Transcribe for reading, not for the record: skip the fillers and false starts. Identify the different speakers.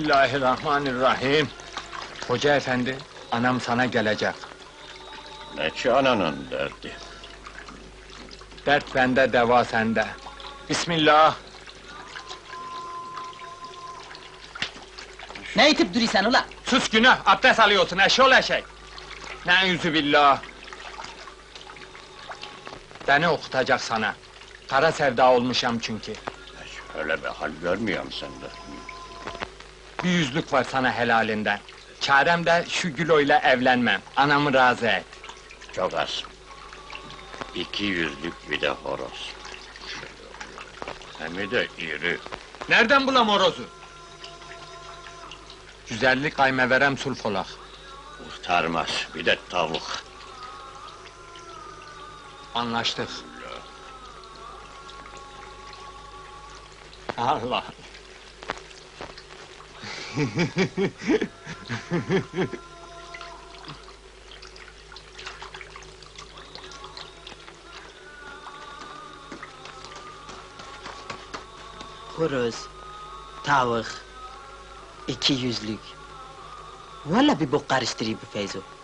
Speaker 1: Bismillahirrahmanirrahim. Hoca efendi, anam sana gelecek.
Speaker 2: Ne ki ananın derdi?
Speaker 1: Dert bende, deva sende. Bismillah.
Speaker 3: Ne itip duruyorsun ula?
Speaker 1: Sus günah, abdest alıyorsun eşol eşek. Ne'ûzübillah. Beni okutacak sana. Kara sevda olmuşam çünkü.
Speaker 2: Öyle bir hal görmüyorum sende.
Speaker 1: Bir yüzlük var sana helalinden. Çarem de şu Gülo'yla evlenmem. Anamı razı et.
Speaker 2: Çok az. 200'lük bir de horoz. Hem de iri.
Speaker 1: Nereden bulam horozu? Güzellik kaymeverem sulfolak.
Speaker 2: Kurtarmaz, bir de tavuk.
Speaker 1: Anlaştık. Allah!
Speaker 3: Horoz, tavuk, 200'lük. Vallahi bir bok karıştırıyor bu Feyzo.